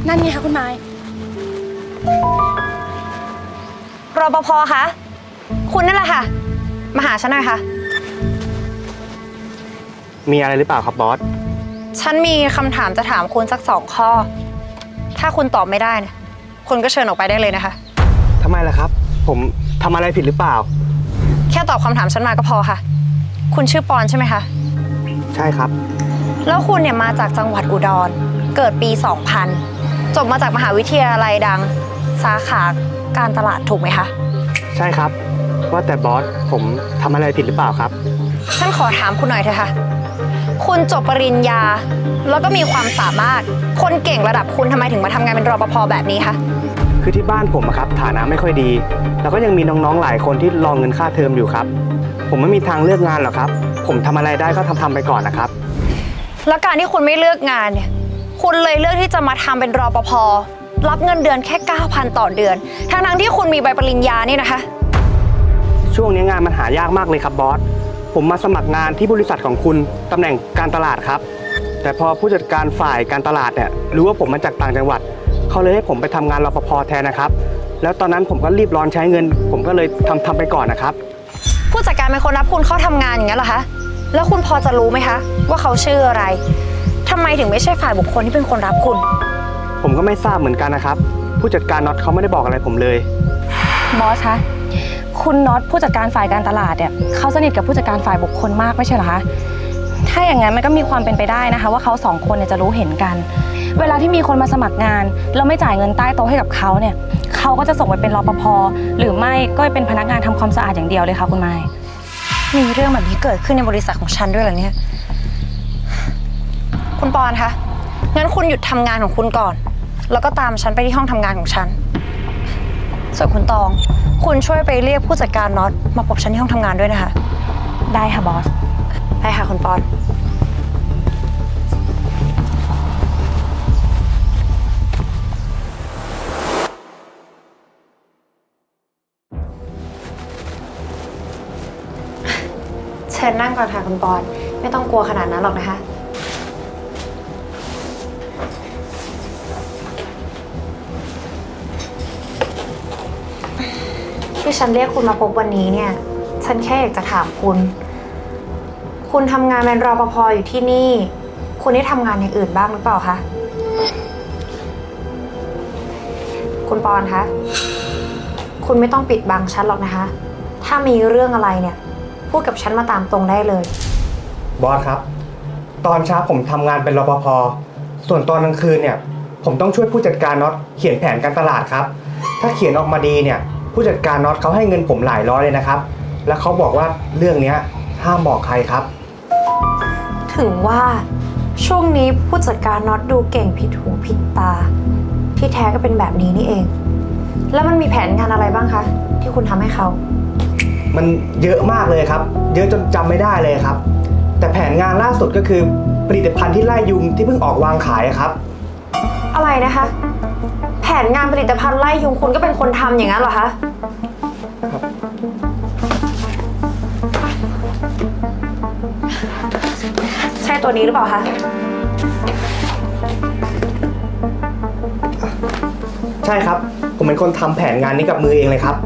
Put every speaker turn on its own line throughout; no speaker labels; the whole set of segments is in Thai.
นั่นไงคะคุณไม้
รปภคะคุณนั่นแหละค่ะมาหาฉันหน่อยค่ะ
มีอะไรหรือเปล่าครับบอส
ฉันมีคำถามจะถามคุณสัก2 ข้อถ้าคุณตอบไม่ได้เนี่ยคุณก็เชิญออกไปได้เลยนะคะ
ทำไมล่ะครับผมทำอะไรผิดหรือเปล่า
แค่ตอบคำถามฉันมาก็พอค่ะคุณชื่อปอนใช่ไหมคะ
ใช่ครับ
แล้วคุณเนี่ยมาจากจังหวัดอุดรเกิดปี 2000จบมาจากมหาวิทยาลัยดังสาขาการตลาดถูกไหมคะ
ใช่ครับว่าแต่บอสผมทำอะไรผิดหรือเปล่าครับ
ฉันขอถามคุณหน่อยเถอะค่ะคุณจบปริญญาแล้วก็มีความสามารถคนเก่งระดับคุณทำไมถึงมาทำงานเป็นรปภแบบนี้คะ
คือที่บ้านผมครับฐานะไม่ค่อยดีแล้วก็ยังมีน้องๆหลายคนที่รอเงินค่าเทอมอยู่ครับผมไม่มีทางเลือกงานหรอกครับผมทำอะไรได้ก็ทำไปก่อนนะครับ
แล้วการที่คุณไม่เลือกงานเนี่ยคุณเลยเลือกที่จะมาทำเป็นรปภรับเงินเดือนแค่ 9,000 ต่อเดือนทั้งที่คุณมีใบปริญญานี่นะคะ
ช่วงนี้งานมันหายากมากเลยครับบอสผมมาสมัครงานที่บริษัทของคุณตำแหน่งการตลาดครับแต่พอผู้จัดการฝ่ายการตลาดเนี่ยรู้ว่าผมมาจากต่างจังหวัดเขาเลยให้ผมไปทำงานรปภแทนนะครับแล้วตอนนั้นผมก็รีบร้อนใช้เงินผมก็เลยทำไปก่อนนะครับ
ผู้จัดการเป็นคนรับคุณเข้าทำงานอย่างนั้นเหรอคะแล้วคุณพอจะรู้ไหมคะว่าเขาชื่ออะไรทำไมถึงไม่ใช่ฝ่ายบุคคลที่เป็นคนรับคุณ
ผมก็ไม่ทราบเหมือนกันนะครับผู้จัดการน็อตเขาไม่ได้บอกอะไรผมเลย
บอสคะคุณน็อตผู้จัดการฝ่ายการตลาดเนี่ยเขาสนิทกับผู้จัดการฝ่ายบุคคลมากไม่ใช่เหรอคะถ้าอย่างนั้นมันก็มีความเป็นไปได้นะคะว่าเขา2 คนเนี่ยจะรู้เห็นกันเวลาที่มีคนมาสมัครงานแล้วไม่จ่ายเงินใต้โต๊ะให้กับเขาเนี่ยเขาก็จะส่งไปเป็นรปภหรือไม่ก็เป็นพนักงานทำความสะอาดอย่างเดียวเลยค่ะคุณไม้
มีเรื่องแบบนี้เกิดขึ้นในบริษัทของฉันด้วยเหรอเนี่ยคุณปอนคะงั้นคุณหยุดทำงานของคุณก่อนแล้วก็ตามฉันไปที่ห้องทำงานของฉันส่วนคุณตองคุณช่วยไปเรียกผู้จัดการน็อตมาพบฉันที่ห้องทำงานด้วยนะคะ
ได้ค่ะบอส
ได้ค่ะคุณปอนเชิญนั่งก่อนค่ะคุณปอนไม่ต้องกลัวขนาดนั้นหรอกนะคะที่ฉันเรียกคุณมาพบวันนี้เนี่ยฉันแค่อยากจะถามคุณทำงานเป็นรปภอยู่ที่นี่คุณได้ทำงานอย่างอื่นบ้างหรือเปล่าคะคุณปอนคะคุณไม่ต้องปิดบังฉันหรอกนะคะถ้ามีเรื่องอะไรเนี่ยพูดกับฉันมาตามตรงได้เลย
บอสครับตอนเช้าผมทำงานเป็นรปภส่วนตอนกลางคืนเนี่ยผมต้องช่วยผู้จัดการน็อตเขียนแผนการตลาดครับถ้าเขียนออกมาดีเนี่ยผู้จัดการน็อตเขาให้เงินผมหลายร้อยเลยนะครับแล้วเขาบอกว่าเรื่องนี้ห้ามบอกใครครับ
ถึงว่าช่วงนี้ผู้จัดการน็อตดูเก่งผิดหูผิดตาที่แท้ก็เป็นแบบนี้นี่เองแล้วมันมีแผนงานอะไรบ้างคะที่คุณทำให้เขา
มันเยอะมากเลยครับเยอะจนจำไม่ได้เลยครับแต่แผนงานล่าสุดก็คือผลิตภัณฑ์ที่ไล่ยุงที่เพิ่งออกวางขายครับ
อะไรนะคะแผนงานผลิตภัณฑ์ไล่ยุงคุณก็เป็นคนทำอย่างนั้นเหรอคะ
ครับ
ใช่ตัวนี้หรือเปล่าคะ
ใช่ครับผมเป็นคนทำแผนงานนี้กับมือเองเลยครับ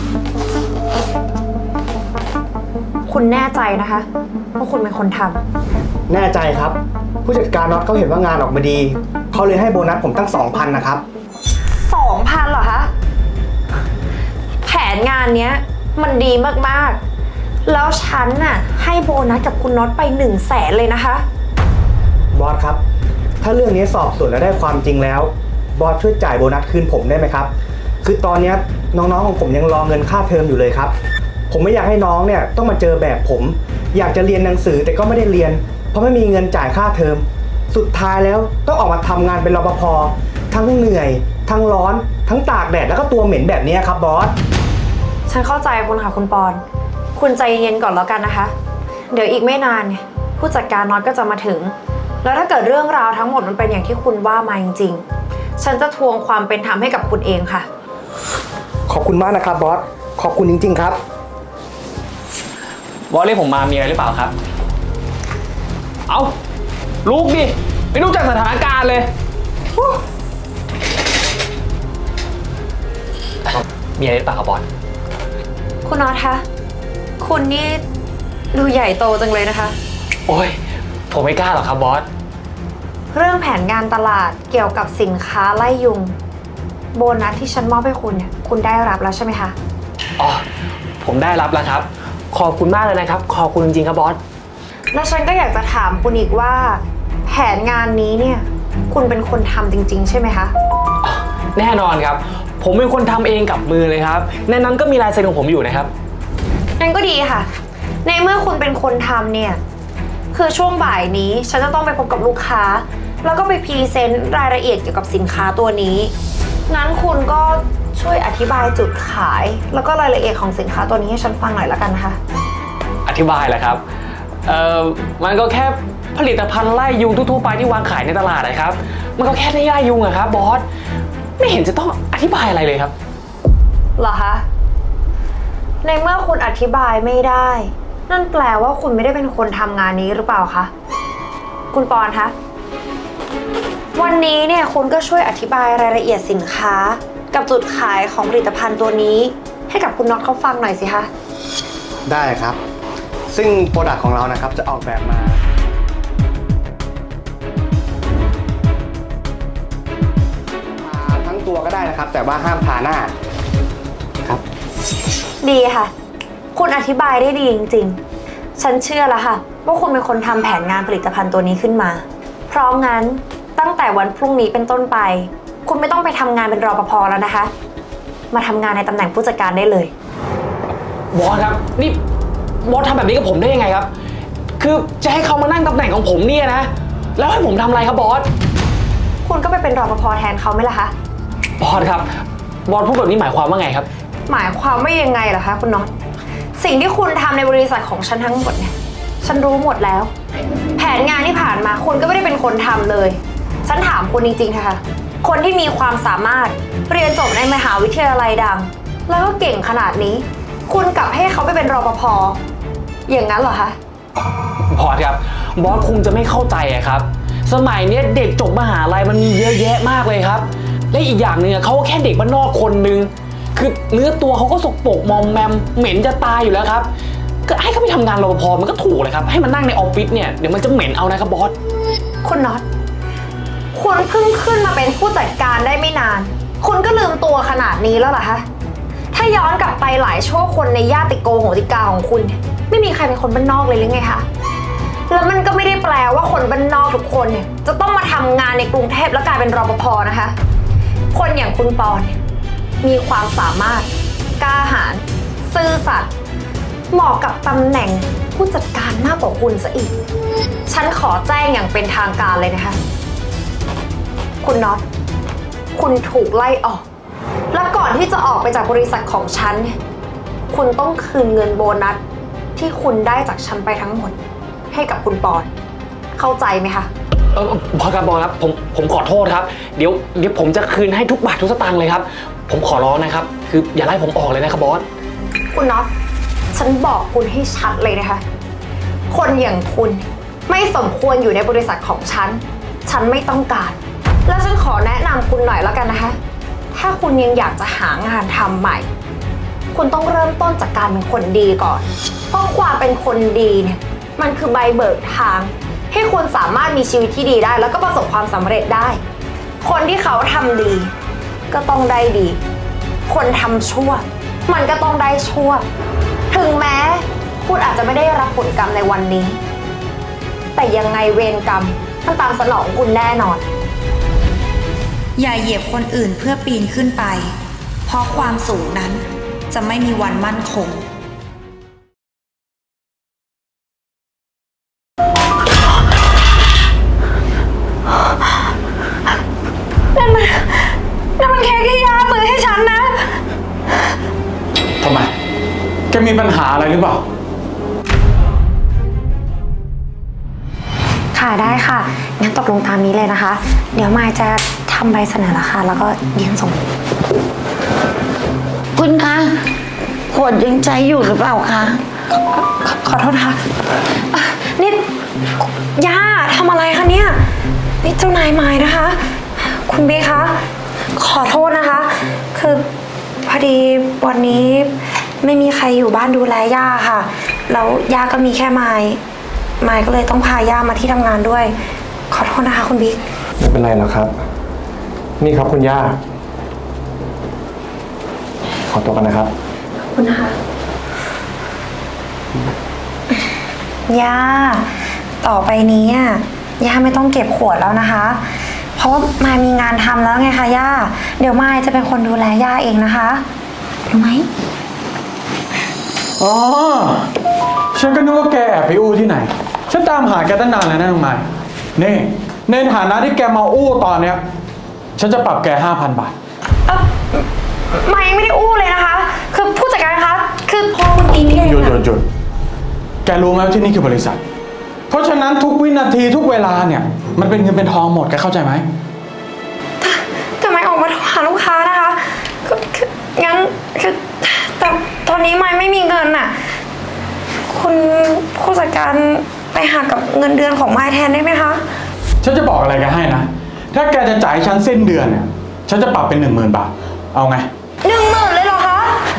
คุณแน่ใจนะคะว่าคุณเป็นคนท
ำแน่ใจครับผู้จัดการน็อตเขาเห็นว่างานออกมาดีเขาเลยให้โบนัสผมตั้ง 2,000 นะครับ
2,000เหรอคะแผนงานเนี้ยมันดีมากๆแล้วฉันน่ะให้โบนัสกับคุณน็อตไป100,000เลยนะคะ
บอสครับถ้าเรื่องนี้สอบสวนแล้วได้ความจริงแล้วบอสช่วยจ่ายโบนัสคืนผมได้ไหมครับคือตอนนี้น้องๆของผมยังรอเงินค่าเทอมอยู่เลยครับผมไม่อยากให้น้องเนี่ยต้องมาเจอแบบผมอยากจะเรียนหนังสือแต่ก็ไม่ได้เรียนเพราะไม่มีเงินจ่ายค่าเทอมสุดท้ายแล้วต้องออกมาทำงานเป็นรปภทั้งเหนื่อยทั้งร้อนทั้งตากแดดแล้วก็ตัวเหม็นแบบนี้ครับบอส
ฉันเข้าใจคุณค่ะคุณปอนคุณใจเย็นก่อนแล้วกันนะคะเดี๋ยวอีกไม่นานเนี่ยผู้จัดการน็อตก็จะมาถึงแล้วถ้าเกิดเรื่องราวทั้งหมดมันเป็นอย่างที่คุณว่ามาจริงๆฉันจะทวงความเป็นธรรมให้กับคุณเองค่ะ
ขอบคุณมากนะครับบอสขอบคุณจริงๆครับ
บอสเรียกผมมามีอะไรหรือเปล่าครับเอาลุกดิไม่รู้จักสถานการณ์เลยมีอะไรหรือเปล่าครับบอส
คุณน็อตคะ คุณนี่ดูใหญ่โตจังเลยนะคะ
โอ้ยผมไม่กล้าหรอกครับบอส
เรื่องแผนงานตลาดเกี่ยวกับสินค้าไล่ยุง โบนัสที่ฉันมอบให้คุณเนี่ย คุณได้รับแล้วใช่ไหมคะ
อ๋อ ผมได้รับแล้วครับ ขอบคุณมากเลยนะครับ ขอบคุณจริงๆครับบอส
แล้วฉันก็อยากจะถามคุณอีกว่า แผนงานนี้เนี่ย คุณเป็นคนทำจริง ๆ ใช่ไหมคะ
แน่นอนครับ ผมเป็นคนทำเองกับมือเลยครับ ในนั้นก็มีลายเซ็นของผมอยู่นะครับ
งั้นก็ดีค่ะ ในเมื่อคุณเป็นคนทำเนี่ย คือช่วงบ่ายนี้ฉันจะต้องไปพบกับลูกค้า แล้วก็ไปพรีเซนต์รายละเอียดเกี่ยวกับสินค้าตัวนี้ งั้นคุณก็ช่วยอธิบายจุดขาย แล้วก็รายละเอียดของสินค้าตัวนี้ให้ฉันฟังหน่อยละกันนะคะ
อธิบายแหละครับ มันก็แค่ผลิตภัณฑ์ไล่ยุงทั่วๆไปที่วางขายในตลาดนะครับ มันก็แค่ไล่ยุงอะครับบอส ไม่เห็นจะต้องอธิบายอะไรเลยครับ
เหรอคะ ในเมื่อคุณอธิบายไม่ได้ นั่นแปลว่าคุณไม่ได้เป็นคนทำงานนี้หรือเปล่าคะ คุณปอนคะ วันนี้เนี่ยคุณก็ช่วยอธิบายรายละเอียดสินค้า กับจุดขายของผลิตภัณฑ์ตัวนี้ ให้กับคุณน็อตเขาฟังหน่อยสิคะ
ได้ครับ ซึ่งโปรดักต์ของเรานะครับจะออกแบบมาทาทั้งตัวก็ได้นะครับ แต่ว่าห้ามทาหน้าครับ
ดีค่ะ คุณอธิบายได้ดีจริงๆ ฉันเชื่อแล้วค่ะว่าคุณเป็นคนทำแผนงานผลิตภัณฑ์ตัวนี้ขึ้นมา เพราะงั้นตั้งแต่วันพรุ่งนี้เป็นต้นไป คุณไม่ต้องไปทำงานเป็นรปภแล้วนะคะ มาทำงานในตำแหน่งผู้จัดการได้เลย
บอสครับ นี่บอสทำแบบนี้กับผมได้ยังไงครับ คือจะให้เขามานั่งตำแหน่งของผมเนี่ยนะ แล้วให้ผมทำอะไรครับบอส
คุณก็ไปเป็นรปภแทนเขาไหมล่ะคะ
บอสครับ บอสพูดแบบนี้หมายความว่าไงครับ
หมายความว่ายังไงล่ะคะคุณน็อต สิ่งที่คุณทำในบริษัทของฉันทั้งหมดเนี่ย ฉันรู้หมดแล้ว แผนงานที่ผ่านมาคุณก็ไม่ได้เป็นคนทำเลย ฉันถามคุณจริงๆค่ะ คนที่มีความสามารถเรียนจบในมหาวิทยาลัยดัง แล้วก็เก่งขนาดนี้ คุณกลับให้เขาไปเป็นรปภ อย่างนั้นเหรอคะ
บอสครับ บอสคงจะไม่เข้าใจอะครับ สมัยเนี้ยเด็กจบมหาลัยมันมีเยอะแยะมากเลยครับ และอีกอย่างหนึ่งเขาก็แค่เด็กบ้านนอกคนนึง คือเนื้อตัวเขาก็สกปรกมอมแมมเหม็นจะตายอยู่แล้วครับ ก็ให้เขาไปทำงานรปภมันก็ถูกเลยครับ ให้มันนั่งในออฟฟิศเนี่ยเดี๋ยวมันจะเหม็นเอานะครับบอส
คุณน็อต คุณเพิ่งขึ้นมาเป็นผู้จัดการได้ไม่นาน คุณก็ลืมตัวขนาดนี้แล้วเหรอคะ ถ้าย้อนกลับไปหลายชั่วคนในญาติโกโหติกาของคุณเนี่ยไม่มีใครเป็นคนบ้านนอกเลยหรือไงคะ แล้วมันก็ไม่ได้แปลว่าคนบ้านนอกทุกคนเนี่ยจะต้องมาทำงานในกรุงเทพแล้วกลายเป็นรปภนะคะ คนอย่างคุณปอนเนี่ยมีความสามารถกล้าหาญซื่อสัตย์เหมาะกับตำแหน่งผู้จัดการมากกว่าคุณซะอีก ฉันขอแจ้งอย่างเป็นทางการเลยนะคะ คุณน็อต คุณถูกไล่ออก และก่อนที่จะออกไปจากบริษัทของฉันเนี่ย คุณต้องคืนเงินโบนัสที่คุณได้จากฉันไปทั้งหมด ให้กับคุณปอน เข้าใจไหมคะ
บอสครับบอสครับผมขอโทษครับ เดี๋ยวผมจะคืนให้ทุกบาททุกสตางค์เลยครับ ผมขอร้องนะครับ คืออย่าไล่ผมออกเลยนะครับบอส
คุณน็อต ฉันบอกคุณให้ชัดเลยนะคะ คนอย่างคุณไม่สมควรอยู่ในบริษัทของฉัน ฉันไม่ต้องการ แล้วฉันขอแนะนำคุณหน่อยแล้วกันนะคะ ถ้าคุณยังอยากจะหางานทำใหม่ คุณต้องเริ่มต้นจากการเป็นคนดีก่อน เพราะความเป็นคนดีเนี่ย มันคือใบเบิกทาง ให้คุณสามารถมีชีวิตที่ดีได้ แล้วก็ประสบความสำเร็จได้ คนที่เขาทำดี ก็ต้องได้ดี คนทำชั่ว มันก็ต้องได้ชั่ว ถึงแม้คุณอาจจะไม่ได้รับผลกรรมในวันนี้ แต่ยังไงเวรกรรมมันตามสนองคุณแน่นอน
อย่าเหยียบคนอื่นเพื่อปีนขึ้นไป เพราะความสูงนั้นจะไม่มีวันมั่นคง
นั่นมันเค้กที่ย่าซื้อให้ฉันนะ
ทำไม แกมีปัญหาอะไรหรือเปล่า
ค่ะได้ค่ะ งั้นตกลงตามนี้เลยนะคะ เดี๋ยวมายจะทำใบเสนอราคาแล้วก็ยื่นส่ง
คุณคะขวดยังใจอยู่หรือเปล่าคะ
ขอโทษนะคะนี่ย่าทำอะไรคะเนี่ย นี่เจ้านายมายนะคะ คุณเบคะขอโทษนะคะ คือพอดีวันนี้ไม่มีใครอยู่บ้านดูแลย่าค่ะ แล้วย่าก็มีแค่ไมค์ก็เลยต้องพาย่ามาที่ทำงานด้วย ขอโทษนะคะคุณบิ๊ก
ไม่เป็นไรหรอกครับ นี่ครับคุณย่า ขอตัวกันนะครับ
ขอบคุณนะคะ ย่า ต่อไปนี้ย่าไม่ต้องเก็บขวดแล้วนะคะ เพราะว่ามายมีงานทำแล้วไงคะย่า เดี๋ยวมายจะเป็นคนดูแลย่าเองนะคะรู้ไหม
อ๋อ ฉันก็นึกว่าแกแอบไปอู้ที่ไหน ฉันตามหาแกตั้งนานแล้วนะน้องไม้นี่ในฐานะที่แกมาอู้ตอนเนี้ย ฉันจะปรับแก 5,000 บาท
มายไม่ได้อู้เลยนะคะ คือผู้จัดการคะ คือพอคุณอินเอง
หยุด แกรู้ไหมว่าที่นี่คือบริษัท เพราะฉะนั้นทุกวินาทีทุกเวลาเนี่ย มันเป็นเงินเป็นทองหมด แกเข้าใจไหม
แต่มายออกมาโทรหาลูกค้านะคะงั้นคือแต่ตอนนี้มายไม่มีเงินน่ะ คุณผู้จัดการไปหักกับเงินเดือนของมายแทนได้ไหมคะ
ฉันจะบอกอะไรแกให้นะ ถ้าแกจะจ่ายฉันสิ้นเดือนเนี่ย ฉันจะปรับเป็น 10,000 บาท เอาไง
10,000เลยเหรอคะ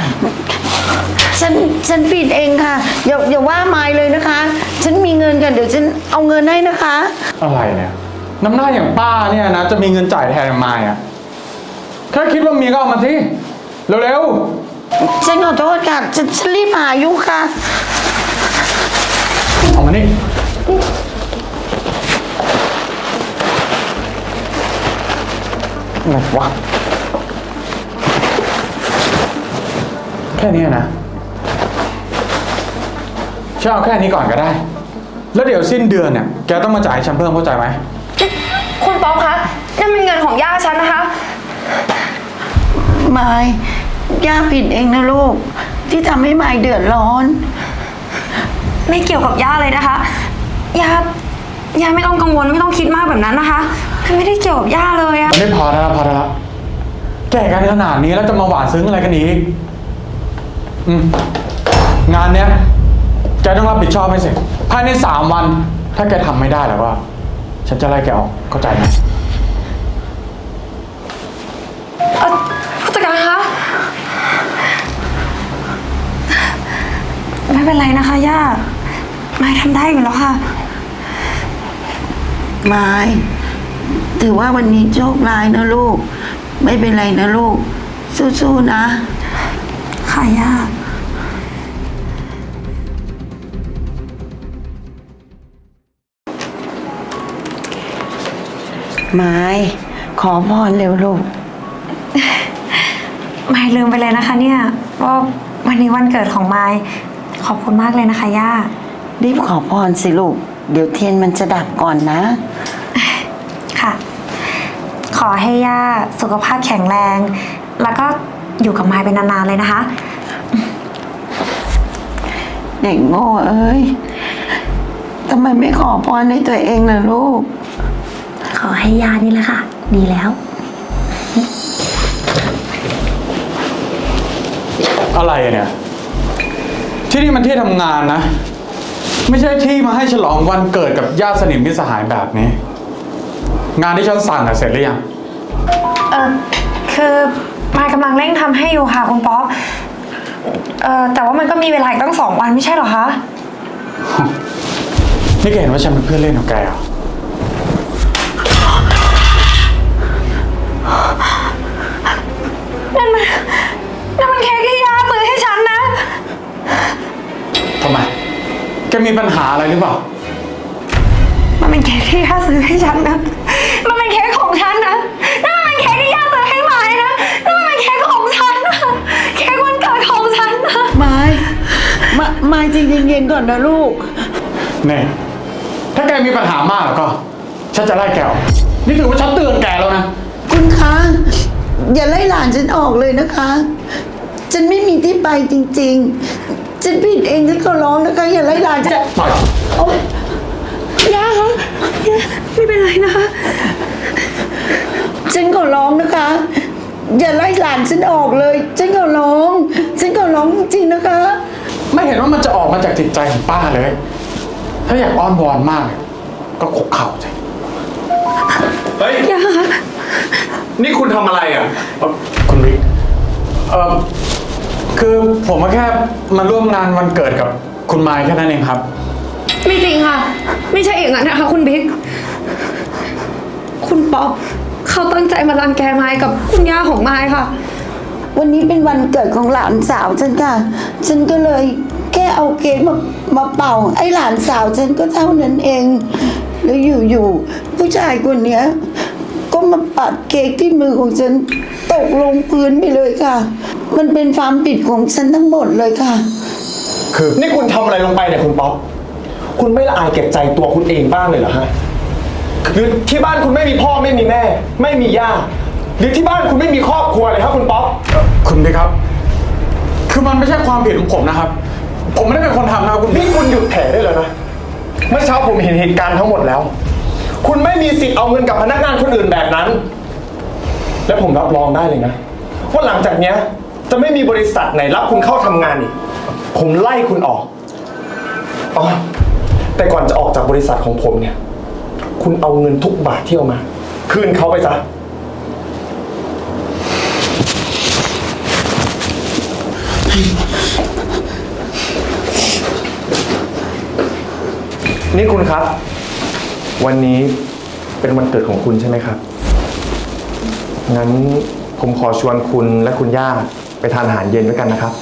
ฉันผิดเองค่ะ อย่าว่าไมายเลยนะคะ ฉันมีเงินกันเดี๋ยวฉันเอาเงินให้นะคะ
อะไรเนี่ย น้ำหน้าอย่างป้าเนี่ยนะ จะมีเงินจ่ายแทนมายอ่ะแค่คิดว่ามีก็เอามาสิเร็ว
ฉันขอโทษค่ะ ฉันรีบหาอยู่ค่ะ
ๆเอามานี่อะไรวะแค่นี้นะฉันเอาแค่นี้ก่อนก็ได้ แล้วเดี๋ยวสิ้นเดือนเนี่ยแกต้องมาจ่ายให้ฉันเพิ่มเข้าใจไหม
คุณป๊อปคะนั่นเป็นเงินของย่าฉันนะคะ
ไมายย่าผิดเองนะลูก ที่ทำให้ไมายเดือดร้อน
ไม่เกี่ยวกับย่าเลยนะคะ ย่าไม่ต้องกังวลไม่ต้องคิดมากแบบนั้นนะคะคือไม่ได้เกี่ยวกับย่าเลยอะ
ไม่พอแล้วแก่กันขนาดนี้แล้วจะมาหวานซึ้งอะไรกันอีกงานเนี้ยแกต้องรับผิดชอบให้เสร็จภายใน3 วัน ถ้าแกทำไม่ได้แล้วก็ฉันจะไล่แกออกเข้าใจไหม
ผู้จัดการคะไม่เป็นไรนะคะย่าไม่ทำได้อยู่แล้วค่ะ
ไมายถือว่าวันนี้โชคร้ายนะลูก ไม่เป็นไรนะลูก สู้ๆนะ
ค่ะย่า
ไมายขอพรเร็วลูก
ไม่ลืมไปเลยนะคะเนี่ยว่าวันนี้วันเกิดของไมค์ขอบคุณมากเลยนะคะย่า
รีบขอพรสิลูก เดี๋ยวเทียนมันจะดับก่อนนะ
ค่ะ ขอให้ย่าสุขภาพแข็งแรง แล้วก็อยู่กับไมค์เป็นนานๆเลยนะคะ
เด็กโง่เอ้ยทำไมไม่ขอพรในตัวเองล่ะลูก
ขอให้ย่านี่แหละค่ะ ดีแล้ว
อะไรเนี่ย ที่นี่มันที่ทำงานนะ ไม่ใช่ที่มาให้ฉลองวันเกิดกับญาติสนิทมิตรสหายแบบนี้ งานที่ฉันสั่งเสร็จหรือยัง
คือมายกำลังเร่งทำให้อยู่ค่ะคุณป๊อปแต่ว่ามันก็มีเวลาอีกตั้ง2 วันไม่ใช่เหรอคะ
นี่แกเห็นว่าฉันเป็นเพื่อนเล่นของแกเหรอ
นั่นมันเค้กที่ย่าซื้อให้ฉันนะ
ทำไม แกมีปัญหาอะไรหรือเปล่า
มันเป็นเค้กที่ย่าซื้อให้ฉันนะ มันเป็นเค้กของฉันนะนั่นมันเป็นเค้กที่ย่าซื้อให้ไม้นะนั่นมันเป็นเค้กของฉันนะเค้กวันเกิดของฉันนะ
ไมายใจเย็นๆก่อนนะลูก
เนี่ยถ้าแกมีปัญหามากแล้วก็ ฉันจะไล่แกออก นี่ถือว่าฉันเตือนแกแล้วนะ
คุณคะอย่าไล่หลานฉันออกเลยนะคะ ฉันไม่มีที่ไปจริงๆ ฉันผิดเองฉันก็ร้องนะคะ อย่าไล่หลานฉัน
ปล่อย
โอ๊ย
ย่าคะย่าไม่เป็นไรนะคะ
ฉันก็ร้องนะคะ อย่าไล่หลานฉันออกเลย ฉันก็ร้องจริงๆนะคะ
ไม่เห็นว่ามันจะออกมาจากจิตใจของป้าเลย ถ้าอยากอ้อนวอนมาก ก็คุกเข่าสิ เฮ้ย
ย่าคะ
นี่คุณทำอะไรอ่ะ
คุณบิ๊กคือผมก็แค่มาร่วมงานวันเกิดกับคุณไมค์แค่นั้นเองครับ
ไม่จริงค่ะ ไม่ใช่อย่างนั้นนะคะคุณบิ๊ก คุณป๊อปเขาตั้งใจมารังแกไม้กับคุณย่าของไม้ค่ะ
วันนี้เป็นวันเกิดของหลานสาวฉันค่ะ ฉันก็เลยแค่เอาเค้กมาเป่าไอ้หลานสาวฉันก็เท่านั้นเอง แล้วอยู่ๆผู้ชายคนเนี้ย ก็มาปัดเค้กที่มือของฉันตกลงพื้นไปเลยค่ะ มันเป็นความผิดของฉันทั้งหมดเลยค่ะ
นี่คุณทำอะไรลงไปเนี่ยคุณป๊อป คุณไม่ละอายเก็บใจตัวคุณเองบ้างเลยเหรอฮะ หรือที่บ้านคุณไม่มีพ่อไม่มีแม่ ไม่มีย่า หรือที่บ้านคุณไม่มีครอบครัวเลยครับคุณป๊อป
คุณบิ๊กครับ คือมันไม่ใช่ความผิดของผมนะครับ ผมไม่ได้เป็นคนทำนะครับคุณบิ๊
นี่
ก
คุณหยุดแถได้เลยนะ เมื่อเช้าผมเห็นเหตุการณ์ทั้งหมดแล้ว คุณไม่มีสิทธิ์เอาเงินกับพนักงานคนอื่นแบบนั้น และผมรับรองได้เลยนะว่าหลังจากเนี้ยจะไม่มีบริษัทไหนรับคุณเข้าทำงานอีก ผมไล่คุณออกอ๋อแต่ก่อนจะออกจากบริษัทของผมเนี่ย คุณเอาเงินทุกบาทที่เอามา คืนเขาไปซะ นี่คุณครับ วันนี้เป็นวันเกิดของคุณใช่ไหมครับ งั้นผมขอชวนคุณและคุณย่าไปทานอาหารเย็นด้วยกันนะครับ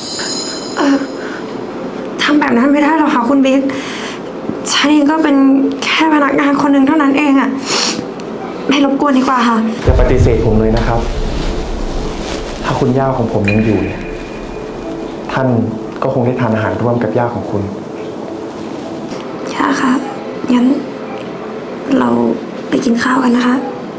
ทำแบบนั้นไม่ได้หรอกค่ะคุณบิ๊ก ฉันเองก็เป็นแค่พนักงานคนหนึ่งเท่านั้นเองอะไม่รบกวนดีกว่าค่ะ
อย่าปฏิเสธผมเลยนะครับ ถ้าคุณย่าของผมยังอยู่เนี่ยท่านก็คงได้ทานอาหารร่วมกับย่าของคุณ
ย่าคะงั้นเราไปกินข้าวกันนะคะ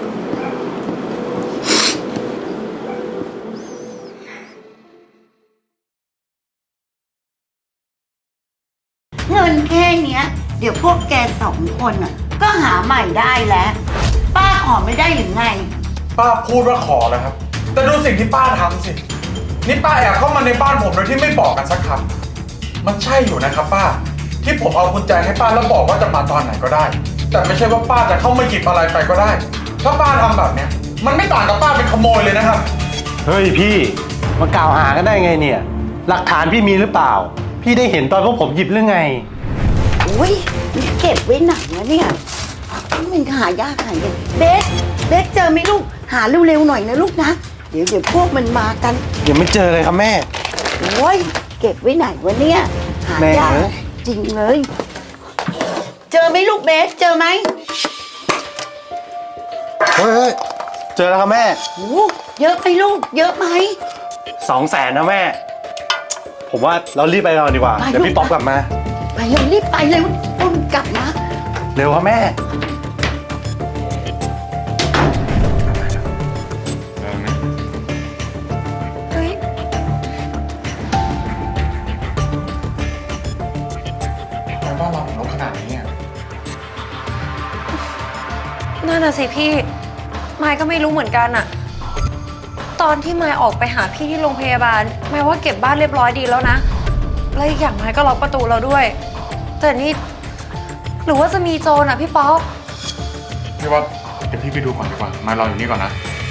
เงินแค่เนี้ย เดี๋ยวพวกแกสองคนอ่ะ ก็หาใหม่ได้แล้ว ป้าขอไม่ได้หรือไง
ป้าพูดว่าขอแล้วครับ แต่ดูสิ่งที่ป้าทำสิ นี่ป้าแอบเข้ามาในบ้านผมโดยที่ไม่บอกกันสักคำมันใช่อยู่นะครับป้า ที่ผมเอากุญแจให้ป้าแล้วบอกว่าจะมาตอนไหนก็ได้ แต่ไม่ใช่ว่าป้าจะเข้ามาหยิบอะไรไปก็ได้ ถ้าป้าทำแบบเนี้ย มันไม่ต่างกับป้าเป็นขโมยเลยนะครับ
เฮ้ยพี่มากล่าวหากันได้ไงเนี่ย หลักฐานพี่มีหรือเปล่า พี่ได้เห็นตอนพวกผมหยิบหรือไง
อุ้ยเก็บไว้หนักนะเนี่ยมันหายากหายเลยเบสเจอไหมลูก หาเร็วๆหน่อยนะลูกนะ เดี๋ยวพวกมันมากัน
ยังไม่เจอเลยครับแม่
โอ้ยเก็บไว้ไหนวะเนี่ยหายาก
แม่เอ้ย
จริงเลย เจอไหมลูกเบสเจอไหม
เฮ้ยเจอแล้วครับแม่
โอ้เยอะไปลูก เยอะไหม
200,000นะแม่ ผมว่าเรารีบไปก่อนดีกว่า
ไป
เดี๋ยวพี่
ลูก
ป๊อปกลับมา
ไปเร็วรีบไปเร็วต้องกลับนะ
เร็วครับแม่
เฮ้ย
ทำไมบ้านเราถึงรกขนาดนี้อ่ะ
นั่นน่ะสิพี่ ไมค์ก็ไม่รู้เหมือนกันอะตอนที่ไมค์ออกไปหาพี่ที่โรงพยาบาลไมค์ว่าเก็บบ้านเรียบร้อยดีแล้วนะ แล้วอีกอย่างไมค์ก็ล็อกประตูเราด้วย แต่นี่หรือว่าจะมีโจรอะพี่ป๊อป
พี่ว่าเดี๋ยวพี่ไปดูก่อนดีกว่า มารออยู่นี่ก่อนนะ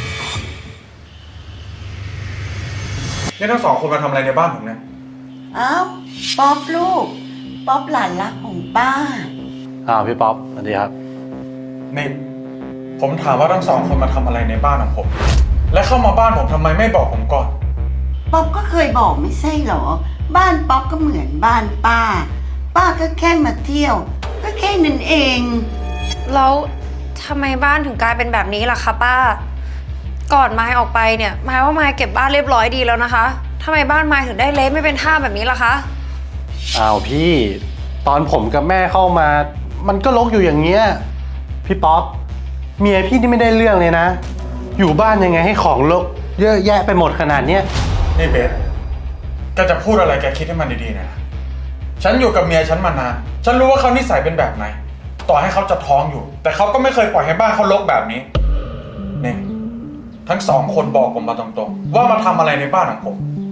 นี่ทั้งสองคนมาทำอะไรในบ้านผมเนี่ย
อ้าวป๊อปลูก ป๊อปหลานรักของป้า
พี่ป๊อปสวัสดีครับ
นี่ผมถามว่าทั้งสองคนมาทำอะไรในบ้านของผม และเข้ามาบ้านผมทำไมไม่บอกผมก่อน
ป๊อปก็เคยบอกไม่ใช่เหรอ บ้านป๊อปก็เหมือนบ้านป้า ป้าก็แค่มาเที่ยว ก็แค่นั้นเอง
แล้วทำไมบ้านถึงกลายเป็นแบบนี้ล่ะคะป้า ก่อนไมค์ออกไปเนี่ยไมค์ว่าไมค์เก็บบ้านเรียบร้อยดีแล้วนะคะทำไมบ้านไมค์ถึงได้เละไม่เป็นท่าแบบนี้ล่ะคะ
อ้าวพี่ ตอนผมกับแม่เข้ามา มันก็รกอยู่อย่างเงี้ย พี่ป๊อป เมียพี่นี่ไม่ได้เรื่องเลยนะ อยู่บ้านยังไงให้ของรกเยอะแยะไปหมดขนาดเนี้ย
นี่เบสแกจะพูดอะไรแกคิดให้มันดีๆหนะฉันอยู่กับเมียฉันมานาน ฉันรู้ว่าเขานิสัยเป็นแบบไหน ต่อให้เขาจะท้องอยู่ แต่เขาก็ไม่เคยปล่อยให้บ้านเขารกแบบนี้ นี่ทั้งสองคนบอกผมมาตรงๆว่ามาทำอะไรในบ้านของผม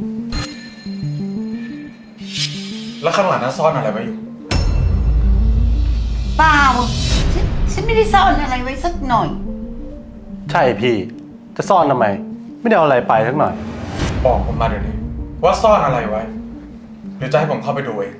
แล้วข้างหลังนั้นซ่อนอะไรไว้อยู่
เปล่า ฉันไม่ได้ซ่อนอะไรไว้สักหน่อย
ใช่พี่จะซ่อนทำไม ไม่ได้เอาอะไรไปสักหน่อย
บอกผมมาเดี๋ยวนี้ว่าซ่อนอะไรไว้ หรือจะให้ผมเข้าไปดูเอง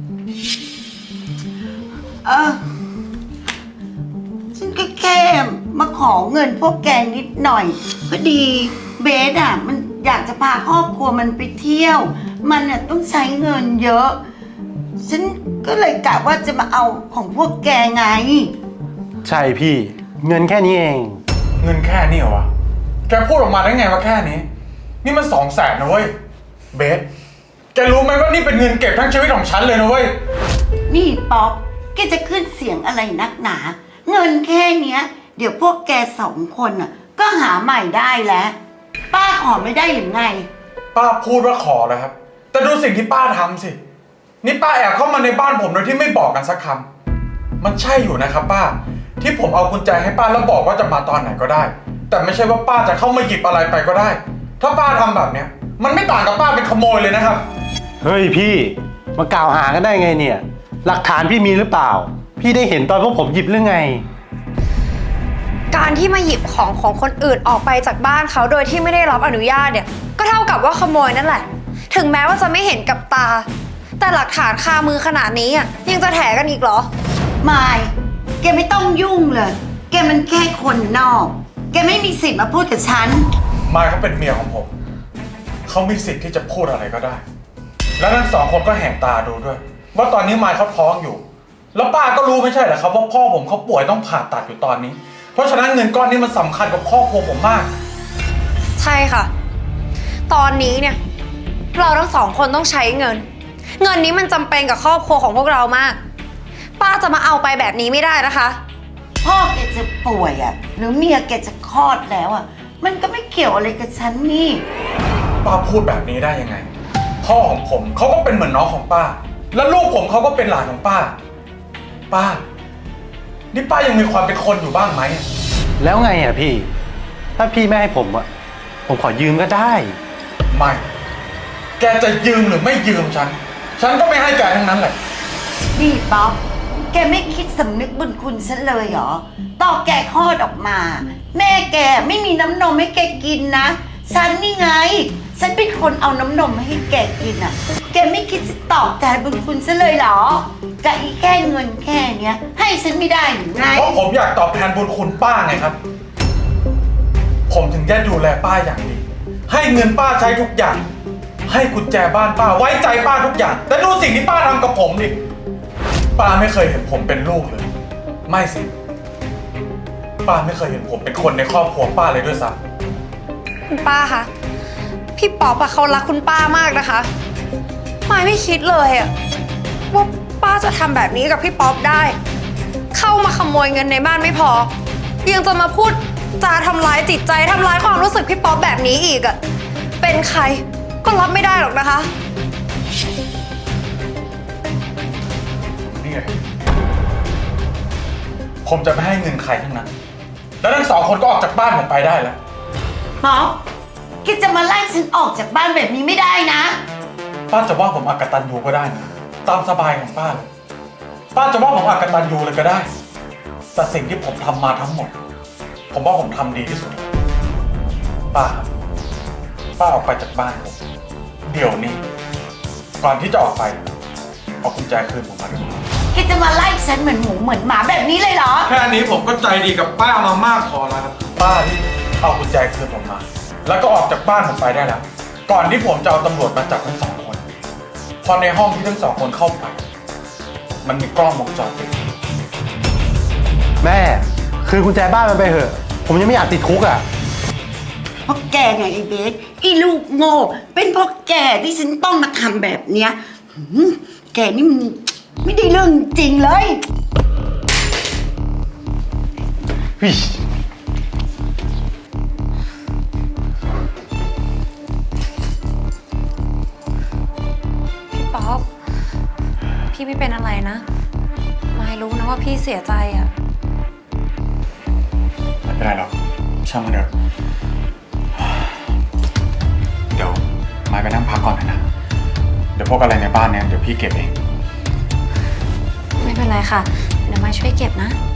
ฉันก็แค่มาขอเงินพวกแกนิดหน่อยพอดีเบสอ่ะมันอยากจะพาครอบครัวมันไปเที่ยว มันอ่ะต้องใช้เงินเยอะ ฉันก็เลยกะว่าจะมาเอาของพวกแกไง
ใช่พี่ เงินแค่นี้เอง
เงินแค่นี้เหรอวะ แกพูดออกมาได้ไงว่าแค่นี้ นี่มัน200,000นะเว้ย เบส แกรู้ไหมว่านี่เป็นเงินเก็บทั้งชีวิตของฉันเลยนะเว้ย
นี่ป๊อปแกจะขึ้นเสียงอะไรนักหนา เงินแค่เนี้ย เดี๋ยวพวกแก2 คนอ่ะ ก็หาใหม่ได้แล้ว ป้าขอไม่ได้หรือไง
ป้าพูดว่าขอแล้วครับ แต่ดูสิ่งที่ป้าทำสิ นี่ป้าแอบเข้ามาในบ้านผมโดยที่ไม่บอกกันสักคำ มันใช่อยู่นะครับป้า ที่ผมเอากุญแจให้ป้าแล้วบอกว่าจะมาตอนไหนก็ได้ แต่ไม่ใช่ว่าป้าจะเข้ามาหยิบอะไรไปก็ได้ ถ้าป้าทำแบบเนี้ย มันไม่ต่างกับป้าเป็นขโมยเลยนะครับ
เฮ้ยพี่มากล่าวหากันได้ไงเนี่ย หลักฐานพี่มีหรือเปล่า พี่ได้เห็นตอนพวกผมหยิบหรือไง
การที่มาหยิบของคนอื่นออกไปจากบ้านเขาโดยที่ไม่ได้รับอนุญาตเนี่ย ก็เท่ากับว่าขโมยนั่นแหละ ถึงแม้ว่าจะไม่เห็นกับตา แต่หลักฐานคามือขนาดนี้อ่ะยังจะแถกันอีกเหรอ
มาย แกไม่ต้องยุ่งเลย แกมันแค่คนนอก แกไม่มีสิทธิ์มาพูดกับฉัน
มายเขาเป็นเมียของผม เขามีสิทธิ์ที่จะพูดอะไรก็ได้ แล้วทั้ง2 คนก็แหกตาดูด้วย ว่าตอนนี้มายเขาท้องอยู่ แล้วป้าก็รู้ไม่ใช่เหรอครับว่าพ่อผมเขาป่วยต้องผ่าตัดอยู่ตอนนี้ เพราะฉะนั้นเงินก้อนนี้มันสำคัญกับครอบครัวผมมาก
ใช่ค่ะ ตอนนี้เนี่ยเราทั้ง2 คนต้องใช้เงิน เงินนี้มันจำเป็นกับครอบครัวของพวกเรามาก ป้าจะมาเอาไปแบบนี้ไม่ได้นะคะ
พ่อแกจะป่วยอ่ะ หรือเมียแกจะคลอดแล้วอ่ะ มันก็ไม่เกี่ยวอะไรกับฉันนี่
ป้าพูดแบบนี้ได้ยังไง พ่อของผมเขาก็เป็นเหมือนน้องของป้า แล้วลูกผมเขาก็เป็นหลานของป้า ป้า นี่ป้ายังมีความเป็นคนอยู่บ้างไหม
แล้วไงอ่ะพี่ ถ้าพี่ไม่ให้ผมอ่ะ ผมขอยืมก็ได้
ไม่ แกจะยืมหรือไม่ยืมฉันก็ไม่ให้แกทั้งนั้นแหละ
นี่ป๊อป แกไม่คิดสำนึกบุญคุณฉันเลยเหรอต่อแกคลอดออกมา แม่แกไม่มีน้ำนมให้แกกินนะ ฉันนี่ไง ฉันเป็นคนเอาน้ำนมให้แกกินอ่ะ แกไม่คิดจะตอบแทนบุญคุณฉันเลยเหรอกับอีแค่เงินแค่เนี้ย ให้ฉันไม่ได้หรือไง
เพราะผมอยากตอบแทนบุญคุณป้าไงครับ ผมถึงได้ดูแลป้าอย่างดี ให้เงินป้าใช้ทุกอย่าง ให้กุญแจบ้านป้าไว้ใจป้าทุกอย่าง แต่ดูสิ่งที่ป้าทำกับผมดิ ป้าไม่เคยเห็นผมเป็นลูกเลย ไม่สิ ป้าไม่เคยเห็นผมเป็นคนในครอบครัวป้าเลยด้วยซ้ำ
คุณป้าคะ พี่ป๊อปอะเขารักคุณป้ามากนะคะมายไม่คิดเลยอะว่าป้าจะทำแบบนี้กับพี่ป๊อปได้ เข้ามาขโมยเงินในบ้านไม่พอ ยังจะมาพูดจาทำร้ายจิตใจทำร้ายความรู้สึกพี่ป๊อปแบบนี้อีกอะเป็นใครก็รับไม่ได้หรอกนะคะ
นี่ไงผมจะไม่ให้เงินใครทั้งนั้น แล้วทั้ง2 คนก็ออกจากบ้านผมไปได้แล้ว
ป๊อป แกจะมาไล่ฉันออกจากบ้านแบบนี้ไม่ได้นะ
ป้าจะว่าผมอกตัญญูก็ได้นะตามสบายของป้าเลย ป้าจะว่าผมอกตัญญูเลยก็ได้ แต่สิ่งที่ผมทำมาทั้งหมด ผมว่าผมทำดีที่สุด ป้าครับป้าออกไปจากบ้านผมเดี๋ยวนี้ ก่อนที่จะออกไปเอากุญแจคืนผมมาด้วย
แกจะมาไล่ฉันเหมือนหมูเหมือนหมาแบบนี้เลยเหรอ
แค่นี้ผมก็ใจดีกับป้ามามากพอแล้วครับป้าที่เอากุญแจคืนผมมา แล้วก็ออกจากบ้านผมไปได้แล้ว ก่อนที่ผมจะเอาตำรวจมาจับทั้ง2 คน พอในห้องที่ทั้ง2 คนเข้าไป มันมีกล้องวงจรปิด
แม่คืนกุญแจบ้านมันไปเถอะ ผมยังไม่อยากติดคุกอ่ะ
เพราะแกไงไอ้เบสไอ้ลูกโง่ เป็นเพราะแกที่ฉันต้องมาทำแบบเนี้ยแกนี่มันไม่ได้เรื่องจริงเลย
วิ
พี่ป๊อป พี่ไม่เป็นอะไรนะมายรู้นะว่าพี่เสียใจอะ
ไม่เป็นไรหรอกช่างมันเถอะเดี๋ยวมายไปนั่งพักก่อนนะ เดี๋ยวพวกอะไรในบ้านเนี่ยเดี๋ยวพี่เก็บเอง
ไม่เป็นไรค่ะ เดี๋ยวมายช่วยเก็บนะ